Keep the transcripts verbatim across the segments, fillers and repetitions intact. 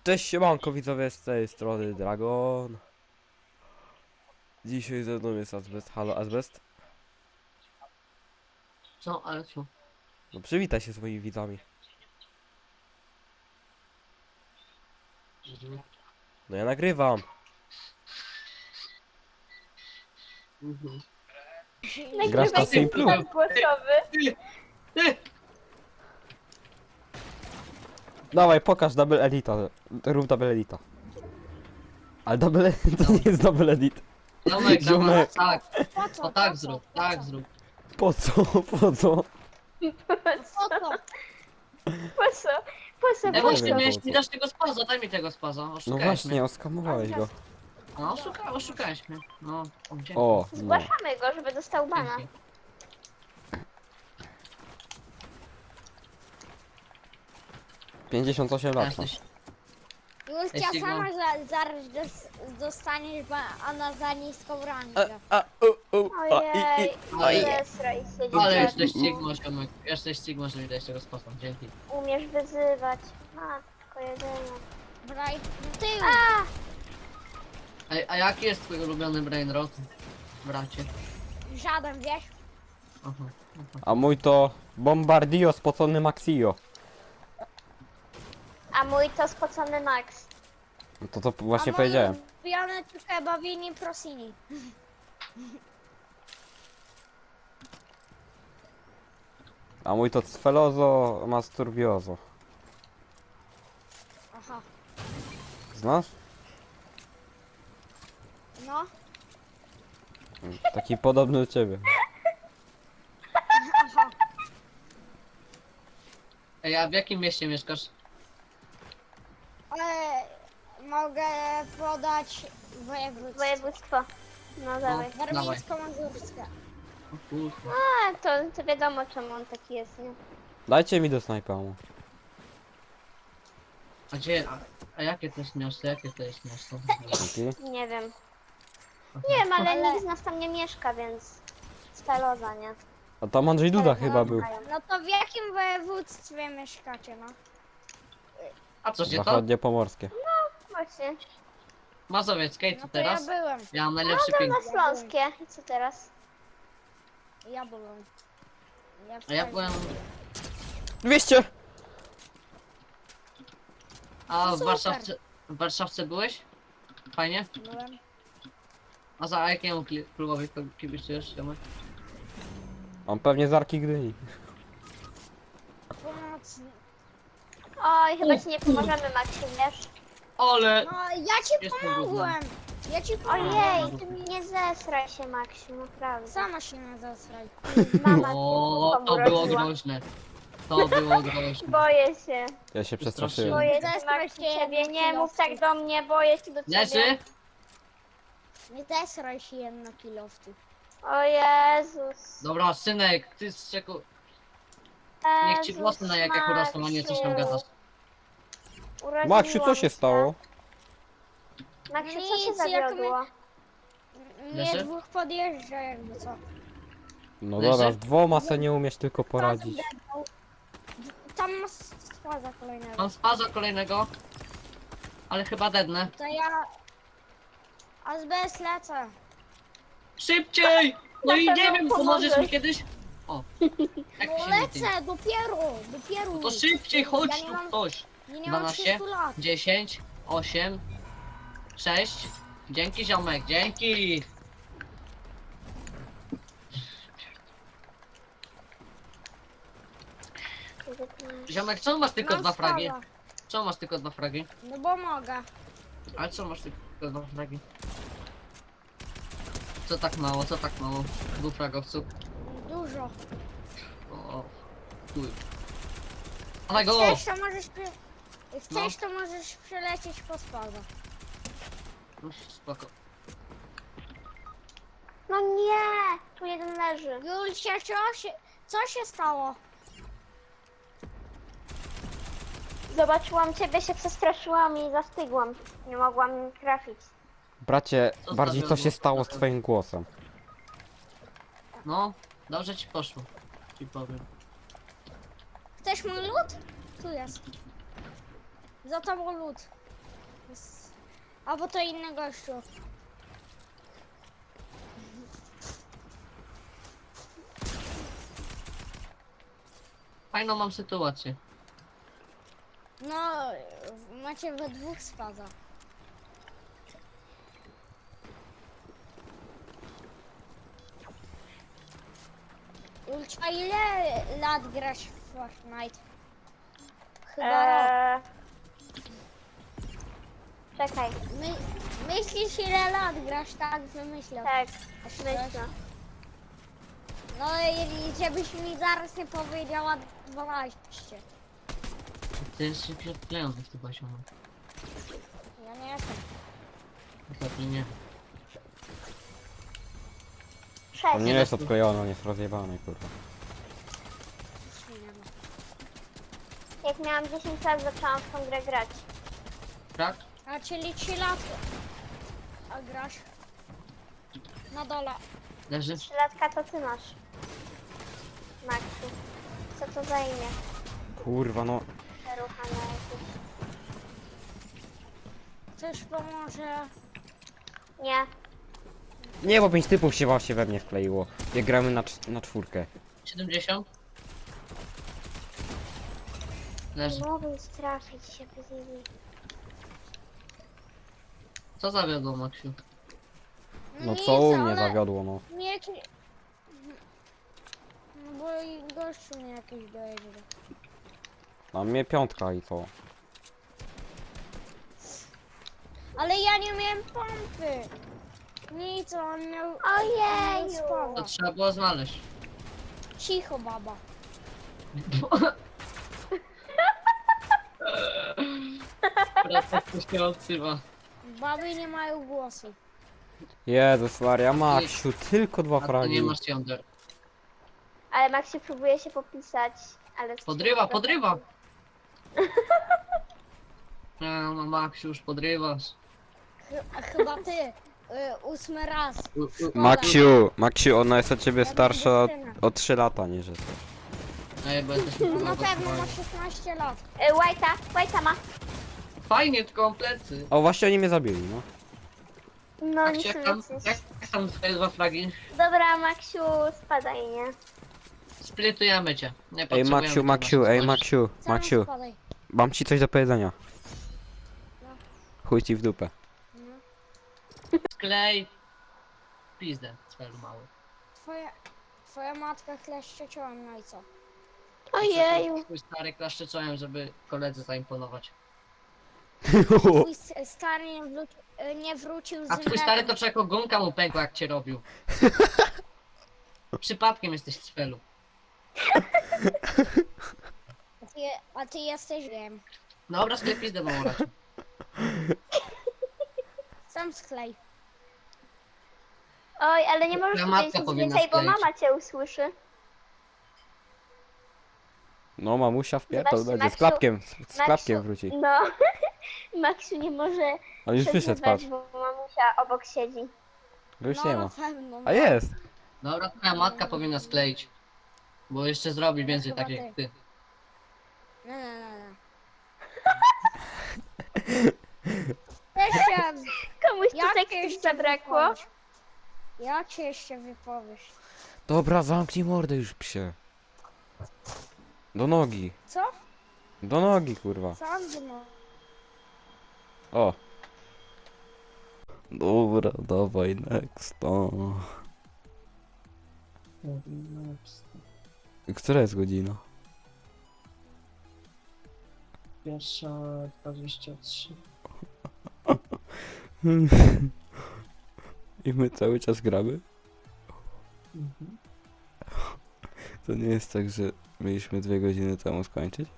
Cześć siemanko widzowie, z tej strony Dragon. Dzisiaj ze mną jest Azbest. Halo Azbest. Co, ale co? No przywitaj się z moimi widzami. Mhm. No ja nagrywam. Mhm. Grasz na Nagrywaj Simplu? ten głosowy. Ty! Ty! Dawaj pokaż double edita. Rób double edita. Ale double edit to nie jest double edit. Ziomek, Ziomek. dawaj, tak, Po co? o tak Po co? zrób, Po tak co? zrób. Po co? Po co? Po co? Po co? Po co? Ej, nie właśnie, wiem, miałeś po mi co. dać tego spaza, daj mi tego spaza, No oszukałeś właśnie, mnie. oskamowałeś go. No, oszuka, oszukałeś mnie. No, o, dzięki. O, no. Zgłaszamy go, żeby dostał bana. Dzięki. pięćdziesiąt osiem lat. no. Jesteś. Justia Ej, Sigma. sama za, zaraz dos- dostaniesz bana za niską A, rangę. a, u, u, a, i, i. Ojej. zesraj się, Ale dzieciak. jesteś Sigma, ziomek. Jesteś Sigma, że mi dałeś tego spaza, dzięki. Umiesz wyzywać. Matko jedyna. Braj, ty! Ej, a jaki jest twój ulubiony brainrot, bracie? Żaden, wiesz? Aha, aha. A mój to Bombardio spocony Maxio. A mój to spocony Max. No to to właśnie powiedziałem. Ulubiony to chyba Vini Prosini. A mój to Sfelozo Masturbiozo. Aha. Znasz? No. Taki podobny do ciebie. Aha. Ej, a w jakim mieście mieszkasz? Ale mogę podać województwo. Województwo. No dawaj. dawaj. Warmińsko-Mazurskie. O kurde. A, to, to wiadomo czemu on taki jest, nie? Dajcie mi do snajpamu. A gdzie, a, a jakie to jest miasto, jakie to jest miasto? Dzięki. Nie wiem. Nie wiem, ale, nikt z nas tam nie mieszka, więc Speloza, nie? A tam Andrzej Duda chyba był. No to w jakim województwie mieszkacie, no? A co się to? Zachodnie pomorskie. Właśnie. Mazowieckie, No co to teraz? ja byłem. Ja mam najlepszy No ping. na Śląskie. I co teraz? Ja byłem. Ja A ja byłem... dwieście! A w Super. Warszawce... W Warszawce byłeś? Fajnie? Byłem. A za jakiemu kli- klubowi to kibicujesz, Tomek? On pewnie z Arki Gdyni. Pomocny. Oj, chyba ci nie pomożemy, Maksim, wiesz? Ale... No, ja ci Jest pomogłem. Ja ci pomogłem. Ojej, ty mi nie zesraj się, Maksim, naprawdę. Sama się nie zesraj. O, to było groźne. To było groźne. Boję się. Ja się Przestraszyłem. przestraszyłem. Boję się, Maksim, ciebie. Nie mów tak do mnie, boję się do ciebie. Leży? Nie zesraj się jedno kilowców. O Jezus. Dobra, synek, ty z czeku... Niech ci włosy na jak urosną, a nie coś tam gadasz. Maksiu, co się stało? Maksiu, co się zawiodło? Leży? Mnie dwóch podjeżdża jakby co. No Leży? dobra, z dwoma se nie umiesz tylko poradzić. Tam masz składa kolejnego. Mam spaza kolejnego. Ale chyba dednę. To ja... Azbest lecę. Szybciej! No i Na nie pewno wiem, pomożesz pomożesz. mi kiedyś? O, jak No się nie tym. lecę, dopiero, dopiero. No to szybciej, chodź Ja nie tu mam- ktoś. Nie, nie mam dwanaście, trzystu lat. dziesięć, osiem, sześć. Dzięki ziomek, dzięki! Ziomek, czemu masz tylko Mam dwa fragi? spada. Czemu masz tylko dwa fragi? No bo mogę. Ale co masz tylko dwa fragi? Co tak mało, co tak mało? Dwóch fragowców. Dużo. O, chuj. Dawaj go! Chcesz to możesz... Przy... Chcesz No. to możesz przelecieć po spada. No, spoko. No nie! Tu jeden leży. Julcia, co się, co się stało? Zobaczyłam ciebie, się przestraszyłam i zastygłam. Nie mogłam trafić. Bracie, Co bardziej co zawiodło? się stało z twoim głosem? No, dobrze ci poszło. Ci powiem. Chcesz mój lód? Tu jest. Za tobą lód. Jest- Albo to inny gościu. Fajną mam sytuację. No, macie we dwóch spada. Ulcia, ile lat grasz w Fortnite? Chyba rok. Eee... Czekaj, My, myślisz ile lat grasz, tak wymyślę. tak, A myślę. No i żebyś mi zaraz nie powiedziała dwanaście. Ty jesteś przeklejony w tym poziomie. Ja nie jestem. Pewnie nie. Sześć. On nie jest odklejony, on jest rozjebany, kurwa. Nic mi nie ma. Jak miałam dziesięć lat, zaczęłam w tą grę grać. Tak? A czyli trzy lat. A grasz? Na dole. Leży? trzy latka to ty masz. Maksiu. Co to za imię? Kurwa, no. Przeruchane jakieś. Coś pomoże. Nie. Nie, bo pięć typów się właśnie we mnie wkleiło. Jak gramy na, cz- na czwórkę. siedemdziesiąt? Leży. Nie mogę już trafić się bez nimi. Co zawiodło, Maksiu? No Nic, co u mnie ale zawiodło, no. Nie, nie. No bo i gościu mnie jakiś dojedzie. A mnie piątka i co? Ale ja nie miałem pompy. Nic, on miał... Ojeju. on miał spada. To trzeba było znaleźć. Cicho, baba. Protest się odsyła. Baby nie mają głosu. Jezus Maria, Maksiu, tylko dwa A to nie fragi. masz jąder. Ale Maksiu próbuje się popisać, ale... Podrywa, podrywa! No, no Maksiu, już podrywasz. Chy- a chyba ty. Y, ósmy raz. U, u, Maksiu, Maksiu, ona jest od ciebie Ja starsza o, będę syna. o trzy lata, nie że coś. Ej, bo jesteś No na pewno ma szesnaście lat. Y, White'a, White'a ma. Fajnie, tylko mam plecy. O, właśnie oni mnie zabili, no. No Jak, nic się, jak, tam, nic. jak, jak tam twoje dwa flagi? Dobra, Maksiu, spadaj, nie? Splitujemy cię. Nie Ej, potrzebujemy Maksiu, tego, Maksiu, masz ej, coś. Maksiu, Sam Maksiu, spadaj. mam ci coś do powiedzenia. No. Chuj ci w dupę. No. Sklej. Pizdę, cfelu mały. Twoja, twoja matka kleszcze czołem, no i co? Ojeju. Twój stary klaszczyczałem, żeby koledze zaimponować. Twój s- stary nie, wróci, y, nie wrócił z A twój stary to czeko gumka mu pękła, jak cię robił. Przypadkiem jesteś cfelu. A ty, a ty jesteś wiem. Dobra, sklej pizdę mało raczej. Sam sklej. Oj, ale nie możesz Twoja matka powiedzieć nic powinna więcej, bo skleić. mama cię usłyszy. No, mamusia wpierdol Zobaczcie, będzie, z Maksiu- klapkiem, z, z klapkiem Maksiu- wróci. No. Maksiu nie może On już wyszedł, patrz. przeżywać, bo mamusia obok siedzi. Go już No nie na ma. pewno. No. A jest! Dobra, twoja matka powinna skleić. Bo jeszcze zrobi więcej chyba takich jak ty. No, no, no, no. Jeszcze, Komuś tu jak seksu jeszcze zabrakło. wypowiesz? Jak się jeszcze wypowiesz? Dobra, zamknij mordę już, psie. Do nogi. Co? Do nogi, kurwa. Sam no. O. Dobra, dawaj next. O. Która jest godzina? Pierwsza dwadzieścia trzy. I my cały czas gramy? To nie jest tak, że mieliśmy dwie godziny temu skończyć?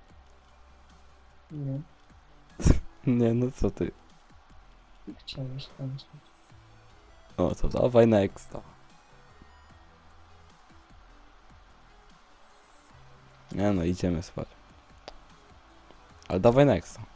Nie, Nie, no co ty? chciałeś skończyć. O, to dawaj next. Nie no, idziemy spać. Ale dawaj next.